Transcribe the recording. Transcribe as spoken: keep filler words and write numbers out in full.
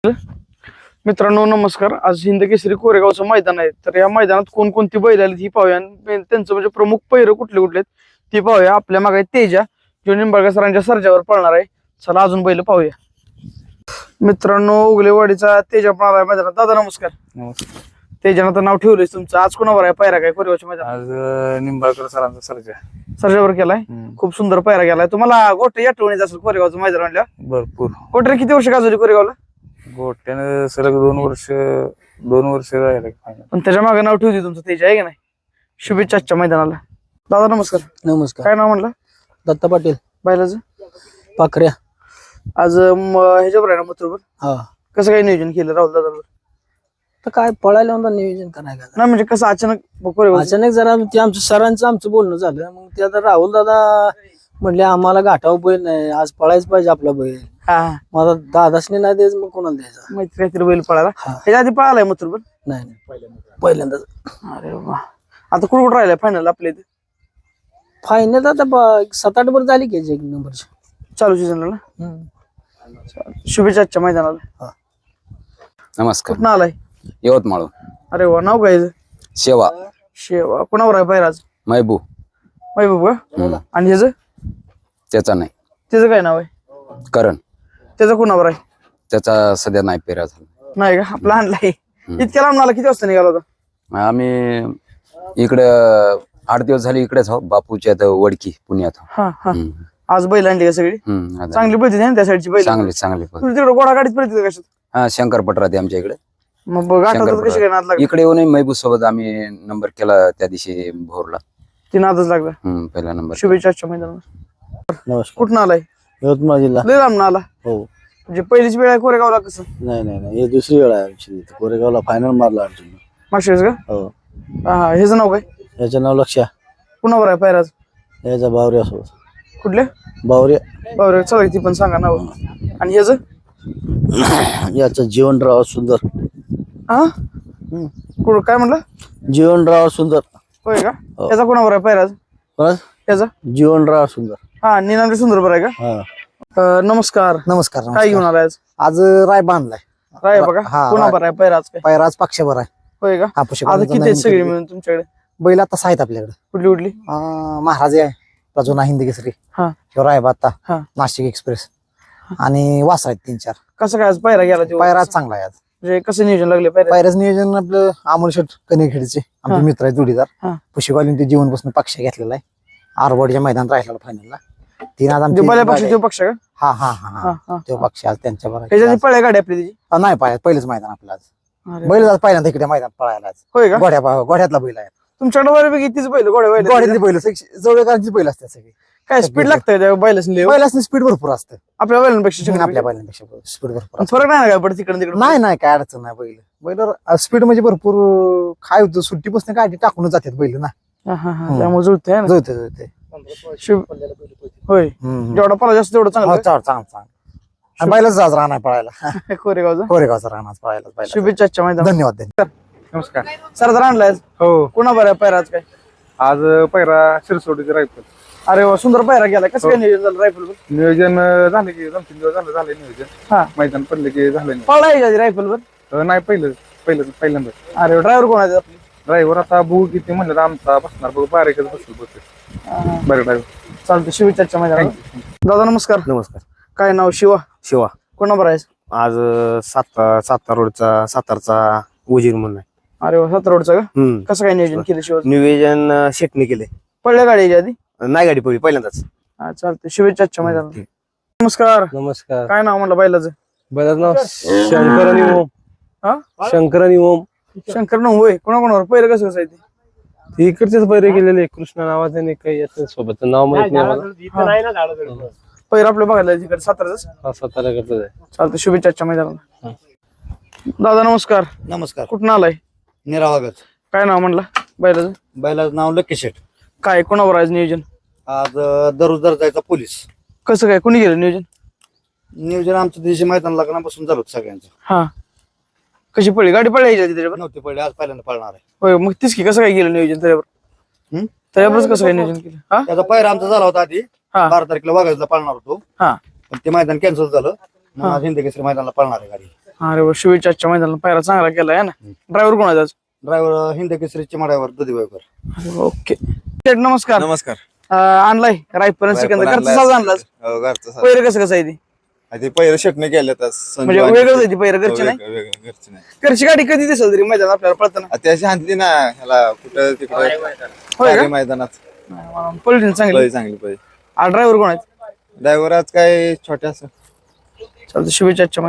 मित्रांनो नमस्कार. आज हिंद केसरी कोरेगावचं मैदान आहे. तर या मैदानात कोणकोणती बैल आली ती पाहूया आणि त्यांचं म्हणजे प्रमुख पैर कुठले कुठले आहेत ती पाहूया. आपल्या मागे तेजा जो निंबाळकर सरांच्या सर्जावर पळणार आहे. चला अजून बैल पाहूया. मित्रांनो उगलेवाडीचा तेजा पळणार आहे मैदानात. दादा नमस्कार. नमस्कार. तेजानं तर नाव ठेवलंय तुमचं. आज कोणावर आहे पायरा काय कोरेगावच्या मैदान? आज निंबाळकर सरांचा सर्जा सर्जावर केलाय. खूप सुंदर पायरा केलाय. तुम्हाला गोटे आठवणीत असेल कोरेगावचं मैदान म्हणल्या. भरपूर. गोटे किती वर्ष गाजवली कोरेगावला? गोट्यानं सलग दोन वर्ष दोन वर्ष राहिले फायनल. पण त्याच्या मागे नाव ठेवते तुमचं तेजा आहे की नाही. शुभेच्छा आजच्या मैदानाला. दादा नमस्कार. नमस्कार. काय नाव म्हणलं? दत्ता पाटील बैलाचं पाखऱ्या. आज ह्याच्यावर आहे ना मथुरवर. हा कसं काय नियोजन केलं राहुल दादा? तर काय पळायला होता नियोजन करायला नाही म्हणजे कसं अचानक कोरेगाव? अचानक जरा ते आमचं सरांचं आमचं बोलणं झालं. मग ते आता राहुल दादा म्हणले आम्हाला गाठाव बैल नाही, आज पळायच पाहिजे आपला बैल. हा माझा दादासने नाही द्यायचं मग कोणाला द्यायचा? मैत्री काहीतरी बैल पळाला. हा. ह्याच्या आधी पळालाय मथुरवर? नाही नाही पहिल्यांदाच. अरे वा. आता कुठं कुठं राहिलाय फायनल आपल्या इथे? फायनल आता ब- सात आठ वर झाली की एक नंबरची. चालू सीझनला ना. शुभेच्छा आजच्या मैदानाला. नमस्कार. कुठं आलाय? यवतमाळ. अरे वा. नाव काय? शेवा शेवा. कोणावर आहे पायराज? महबूब. महबूब का? आणि ह्याचं त्याचा नाही. त्याचं काय नाव आहे? करण. त्याचं कोणावर आहे? त्याचा सध्या नाही पेरा झाला. नाही का? आपला आणलाय. इतक्या लांब आला. किती वाजता निघाला होता? आम्ही इकडं आठ दिवस झाले इकडेच आहोत. बापूच्या इथं वडकी पुण्यात. हा हा. आज बैल आणली का सगळी? हम्म. चांगली पळते ना त्या साईडची बैल? चांगली चांगली. तुझी तिकडे घोडा गाडीत पळते कशात? हा शंकर पटराते आमच्या इकडे. मग गाठात कशी काय नाद लागला? इकडे येऊन महबूब सोबत आम्ही नंबर केला त्या दिवशी भोरला. ती नादच लागला. हम्म पहिला नंबर. शुभेच्छा आजच्या मैदानाला. नमस्कार. कुठं आलाय? यवतमाळ जिल्हा. लय लांब आला. हो. म्हणजे पहिलीच वेळ आहे कोरेगावला कसं? नाही नाही नाही हे दुसरी वेळ आहे आमची. कोरेगावला फायनल मारला अर्जुन. मागच्या का? हो. हा. ह्याचं नाव काय? याचं नाव लक्ष्या. कुणावर आहे पायराज? याचा बावऱ्या सोबत. कुठल्या? बावऱ्या. बरं चला ती पण सांगा नाव. आणि ह्याचं? याचं जीवनराव सुंदर. हा. कुठं काय म्हणलं? जीवनराव सुंदर. होय का? त्याचा कोणावर आहे पायराज? बस त्याचा? जीवनराव सुंदर. हा. निनांद्र सुंदर बरं आहे का? हा. अं, नमस्कार. नमस्कार. काय घेऊन आलाय आज? आज राय बांधलाय. राय बघा. हा, कोणावर आहे पायराज काय? पैराज पक्षावर आहे. होय का? हा, पुष्कळ आता किती आहेत नवीन सगळी खरेदी. मिळून तुमच्याकडे? बैल आता आहेत आपल्याकडे. कुठली कुठली? अं, महाराज आहे. प्रजुना हिंदी केसरी. हा. रायबाता. हा. नाशिक एक्सप्रेस. आणि वास आहेत तीन चार. कसं काय आज पायरा गेला तो? पैराज चांगला आहे आज. म्हणजे कसं नियोजन लागले पायरा? पैराज नियोजन आपलं अमोल शेठ कनेखेडचे आमचे हा. मित्र आहेत जोडीदार. हा. पुशीवालीन ते जीवनपासून पक्ष घेतलेला आहे. आरवाडीच्या मैदानात राहिलेला फायनलला. तीन आज आमचे पहिल्या पक्ष तो पक्ष का? हा हा हा हा, हा हा. तो पक्ष आज त्यांच्या बरोबर त्याच्यात पळ्या गाडी आपली तिची? नाही पाय पहिलेच मैदान आपलं आज. अरे बैल आज पहिल्यांदा इकडे मैदान पळायला आज. होय का? गोड्या गोड्यातला बैल आहे. तुमच्याकडे बऱ्यापैकी तीच बैल गोड्या बैल गोड्यातली बैल जवळकांची बैल असतात सगळी. काय स्पीड लागतंय त्या बैलाच बैलासनी स्पीड भरपूर असतं. आपल्या बैलांपेक्षा? आपल्या बैलांपेक्षा स्पीड भरपूर असतं. फरक नाही ना काय पडत तिकडे तिकडे? नाही नाही काय अडचण नाही. बैल बैल स्पीड म्हणजे भरपूर काय होतं सुट्टीपासून गाडी टाकूनच जातात बैल ना. हा, हा, हा. त्यामुळे जुळतंय ना. जुळते जुळते. शुभ. होय. जेवढा पळा जास्त तेवढं चांगलं. चांगलं चांगलं. आणि बैलाच आज राहणार पळायला. कोरेगावचा. कोरेगावचा राहणार पळायला. शुभेच्छा आजच्या मैदान. धन्यवाद. धन्यवाद. नमस्कार. सरदार आणलाय? हो. कुणा बरं पायराज काय? आज पैरा शिरसोडीचे रायफल. अरे वा. सुंदर पायरा गेला. कसं काय नियोजन झालं रायफल? नियोजन झाले की दोन तीन दिवस झालं झाले नियोजन. हा. मैदान पडले की झालं पळला रायफल वर? नाही. नाही पहिलं पहिलं पहिल्यांदा. अरे ड्रायव्हर कोण आहे आपली? ड्रायव्हर आता बघू किती म्हणलं तर आमचा बसणार बघू बारीकच बसलो बघतो बरं ड्रायव्हर. चालतं. शुभेच्छा आजच्या मैदान. दादा नमस्कार. नमस्कार. काय नाव? शिवा. शिवा. कोणा बरं आहे? आज सातारा सातारा रोडचा सातारचा वजीर म्हणून आहे. अरे वा. सात रोडचा का? हम्म. कसं काय नियोजन केलं शिवा? नियोजन शेटने केले. पडल्या गाडी याच्या आधी? नाही गाडी पडली पहिल्यांदाच. हा चालतंय. शुभेच्छा आजच्या मैदान. नमस्कार. नमस्कार. काय नाव म्हणलं बैलाचं? बैलाचं नाव शंकर आणि ओम. हा. शंकर आणि ओम. शंकर नाव होय. कोणा कोणावर पहिलं कसं कसं आहे ते? ते इकडचेच बैरे गेलेले. कृष्ण नावाचं नाही काही याचं सोबत नाव माहित नाही मला. पहिलं आपलं बघायला तिकडे साताराच. हा सातारा करतोय. चालतं. शुभेच्छा आजच्या मैदानाला. दादा नमस्कार. नमस्कार. कुठून आलाय? निरावागत. काय नाव म्हणलं बैलाचं? बैलाचं नाव लक्की शेठ. काय कोणावर आहे नियोजन? आज दररोज दर्जाचा पोलीस. कसं काय कोणी गेलं नियोजन? नियोजन आमच्या दिवशी मैदान लग्नापासून झालं होतं सगळ्यांचं. हा. कशी पडली गाडी? पडली याच्या आधी त्याच्यावर? नव्हती पडली. आज पहिल्यांदा पळणार आहे. होय. मग तीच की कसं काय गेलं नियोजन त्याच्यावर? हम्म? त्याच्यावरच कसं काय नियोजन केलं? हा. त्याचा पायरा आमचा झाला होता आधी. हा. बारा तारखेला वाघाजला पळणार होतो. हा. पण ते मैदान कॅन्सल झालं. मग आज हिंदी केसरी मैदानाला पळणार आहे गाडी. अरे वा, शुभेच्छाच्या मैदानाला पायरा चांगला केला आहे ना. ड्रायव्हर कोण आहे आज? ड्रायव्हर हिंद केसरी चिमाड्यावर दुधीबाईकर. अरे वा, ओके शेठ नमस्कार. नमस्कार. अं, आणलाय रायफल सिकंदर घरचा साज आणलाच. हो, घरचं साज. पहिलं कसं कसं आहे ती ते पहिलं शटणे केलं तर म्हणजे वेगळंच आहे ती पहिलं घरची नाही. घरची नाही घरची गाडी कधी दिसेल तरी मैदान आपल्याला पळताना आ, त्याची हाणली ना ह्याला कुठं तिकडं होय का? सारे मैदानात पळली चांगली. लय चांगली पाहिजे. ड्रायव्हर कोण आहेत? ड्रायव्हर आज काय छोट्या असं चालतं शुभेच्छाच्या